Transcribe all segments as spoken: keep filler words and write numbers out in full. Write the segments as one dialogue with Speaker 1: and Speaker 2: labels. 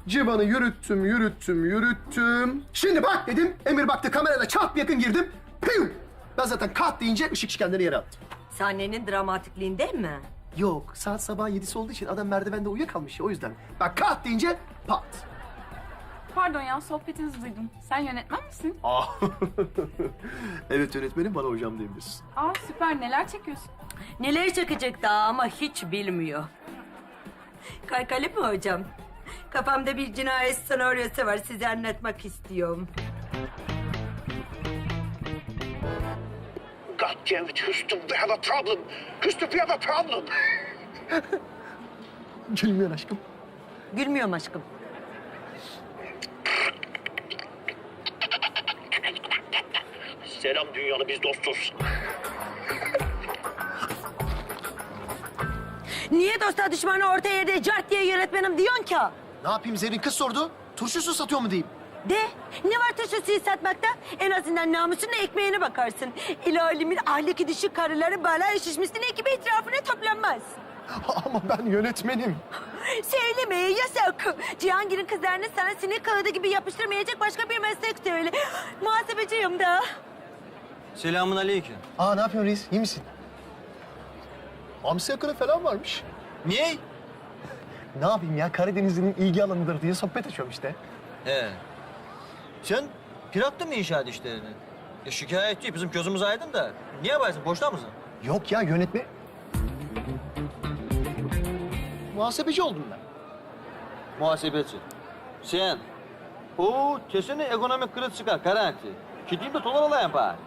Speaker 1: Civan'ı yürüttüm, yürüttüm, yürüttüm. Şimdi bak dedim. Emir baktı kamerayla çat yakın girdim. Piyum! Ben zaten kat deyince ışık şişkenleri yere attım.
Speaker 2: Sahnenin dramatikliğinden mi?
Speaker 1: Yok, saat sabah yedisi olduğu için adam merdivende uyuyakalmış ya o yüzden. Bak kat deyince pat.
Speaker 3: Pardon ya, sohbetinizi duydum. Sen yönetmen misin?
Speaker 1: Aa. Evet yönetmenim, bana hocam diyebilirsin.
Speaker 3: Aa süper, neler çekiyorsun?
Speaker 2: Neler çekecek daha ama hiç bilmiyor. Kaykali mi hocam? Kafamda bir cinayet senaryosu var, size anlatmak istiyorum.
Speaker 4: God damn it, Houston, we have a problem. Houston, we have a problem.
Speaker 1: Gülmüyor aşkım.
Speaker 2: Gülmüyorum aşkım.
Speaker 4: Selam dünyalı, biz dostuz.
Speaker 2: Niye dosta düşmanı orta yerde cart diye yönetmenim diyorsun ki?
Speaker 1: Ne yapayım, Zerrin kız sordu. Turşusu satıyor mu diyeyim.
Speaker 2: De, ne var turşusuyu satmakta? En azından namusunla ekmeğine bakarsın. El alemin ahlaki düşük karıları bala şişmesinin ekibi etrafına toplanmaz.
Speaker 1: Ama ben yönetmenim.
Speaker 2: Söylemeye yasak. Cihangir'in kızlarını sana sinek kağıdı gibi yapıştırmayacak başka bir meslek söyle. Muhasebeciyim da.
Speaker 5: Selamun aleyküm.
Speaker 1: Aa, ne yapıyorsun reis? İyi misin? Hamsi yakını falan varmış.
Speaker 5: Niye?
Speaker 1: Ne yapayım ya, Karadenizli'nin ilgi alanıdır diye sohbet açıyorum işte.
Speaker 5: He. Sen bıraktın mı inşaat işlerini? Ya şikayetçi, bizim gözümüz aydın da. Niye yaparsın, boşta mısın?
Speaker 1: Yok ya, yönetme... Muhasebeci oldum ben.
Speaker 5: Muhasebeci. Sen. Oo, kesin ekonomik kriz çıkar, garanti. Gideyim de dolar alayım bari.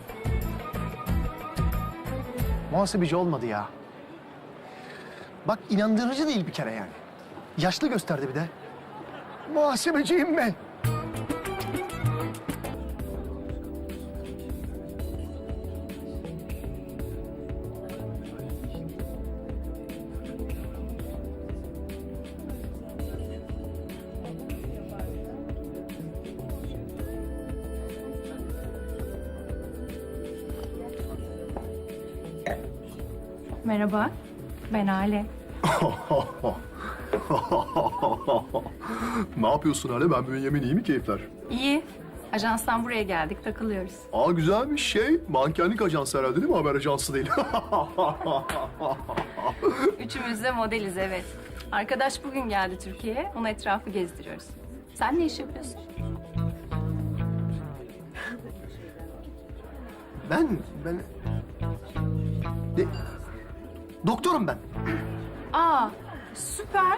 Speaker 1: Muhasebeci olmadı ya. Bak, inandırıcı değil bir kere yani. Yaşlı gösterdi bir de. Muhasebeciyim ben.
Speaker 3: Merhaba, ben Ale.
Speaker 1: Ne yapıyorsun Hale? Ben Bünyamin, iyi mi keyifler?
Speaker 3: İyi. Ajanstan buraya geldik, takılıyoruz.
Speaker 1: Aa, güzel bir şey. Mankenlik ajansı herhalde değil mi? Haber ajansı değil.
Speaker 3: Üçümüz de modeliz, evet. Arkadaş bugün geldi Türkiye'ye, ona etrafı gezdiriyoruz. Sen ne iş yapıyorsun?
Speaker 1: Ben, ben... De... Doktorum ben.
Speaker 3: Aa, süper.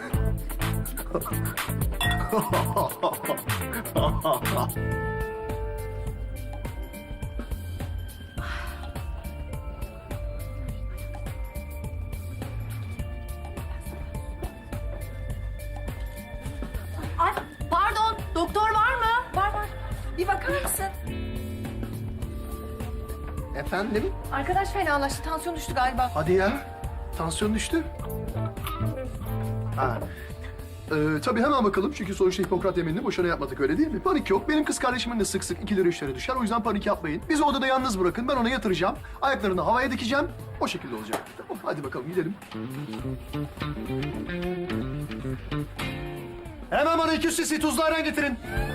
Speaker 3: Ay, pardon, doktor var mı? Var var. Bir bakar mısın?
Speaker 1: Efendim?
Speaker 3: Arkadaş fenalaştı, tansiyon düştü galiba.
Speaker 1: Hadi ya. Tansiyon düştü. Ha. Ee, tabii hemen bakalım çünkü sonuçta Hipokrat yeminini boşuna yapmadık, öyle değil mi? Panik yok. Benim kız kardeşimin de sık sık iki lira üç lira düşer. O yüzden panik yapmayın. Bizi odada yalnız bırakın. Ben ona yatıracağım. Ayaklarını havaya dikeceğim. O şekilde olacak. Tamam, hadi bakalım gidelim. Hemen bana iki yüz cc tuzlu ayran getirin.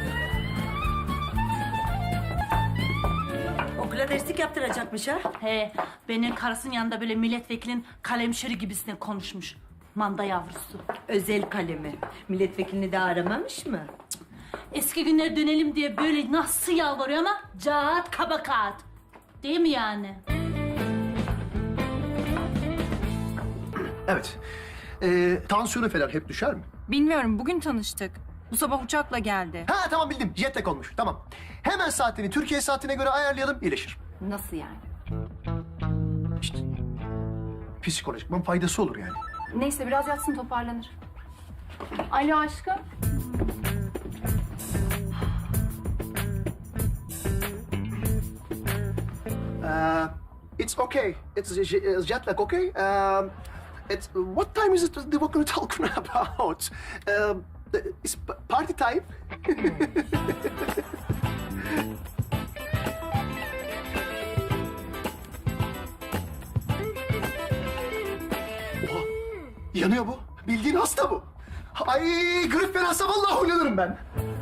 Speaker 2: Okula derslik yaptıracakmış ha.
Speaker 6: He, benim karısının yanında böyle milletvekilinin kalemşeri gibisine konuşmuş. Manda yavrusu.
Speaker 2: Özel kalemi. Milletvekilini de aramamış mı?
Speaker 6: Eski günlere dönelim diye böyle nasıl yalvarıyor ama caat kaba kağıt. Değil mi yani?
Speaker 1: Evet. Ee, tansiyonu falan hep düşer mi?
Speaker 3: Bilmiyorum, bugün tanıştık. Bu sabah uçakla geldi.
Speaker 1: Ha tamam, bildim. Jet lag olmuş. Tamam. Hemen saatini Türkiye saatine göre ayarlayalım. İyileşir.
Speaker 3: Nasıl yani?
Speaker 1: İşte psikolojikman faydası olur yani.
Speaker 3: Neyse, biraz yatsın toparlanır. Alo aşkım.
Speaker 1: Uh, it's okay. It's j- jet lag, okay? Um, it's what time is it that we're going to talk about? Um, it's p- party time. Oha, yanıyor bu. Bildiğin hasta bu. Ay grip fenasa vallahi oynanırım ben.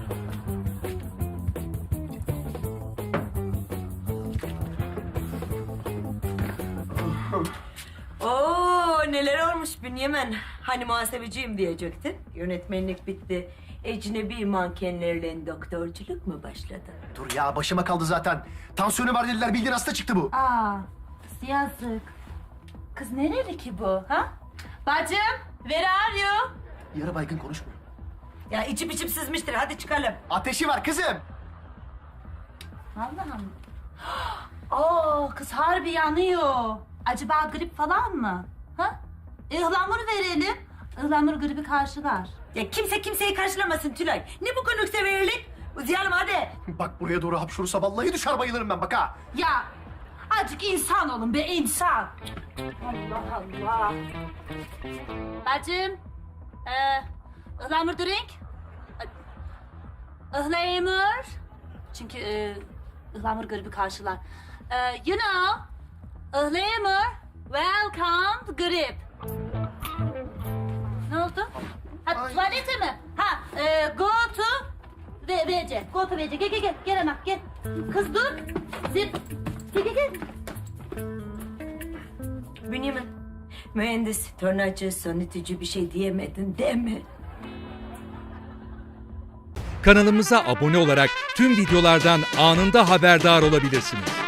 Speaker 2: Oo neler olmuş Bünyamin. Hani muhasebeciyim diyecektin. Yönetmenlik bitti. Ecnebi mankenlerle doktorculuk mu başladı?
Speaker 1: Dur ya başıma kaldı zaten. Tansiyonu var dediler bildiğin hasta çıktı bu.
Speaker 6: Aa, yazık. Kız nereli ki bu, ha? Bacım, where are you?
Speaker 1: Yarı baygın konuşmuyor.
Speaker 2: Ya içim içim sızmıştır. Hadi çıkalım.
Speaker 1: Ateşi var kızım.
Speaker 6: Allah'ım. Oo, kız harbi yanıyor. Acaba grip falan mı? Ha? Ihlamur verelim. Ihlamur gribi karşılar.
Speaker 2: Ya kimse kimseyi karşılamasın Tülay. Ne bu konukseverlik? Uzayalım hadi.
Speaker 1: Bak buraya doğru hapşurursa vallahi düşer bayılırım ben bak ha.
Speaker 6: Ya azıcık insan olun be insan. Allah Allah. Bacım. Ee, ıhlamur drink. Ihlamur. Çünkü e, ıhlamur gribi karşılar. Ee, you know. Ihlamur. Welcome to grip. Ne oldu? Ha
Speaker 1: Ay.
Speaker 6: tuvalete mi? Ha e, go to ve V C. Go to V C. Gel gel gel. Gel hemen gel. Kız dur. Zip. Gel gel gel.
Speaker 2: Bünyamin, mühendis, tornacı, sonitici bir şey diyemedin değil mi?
Speaker 7: Kanalımıza abone olarak tüm videolardan anında haberdar olabilirsiniz.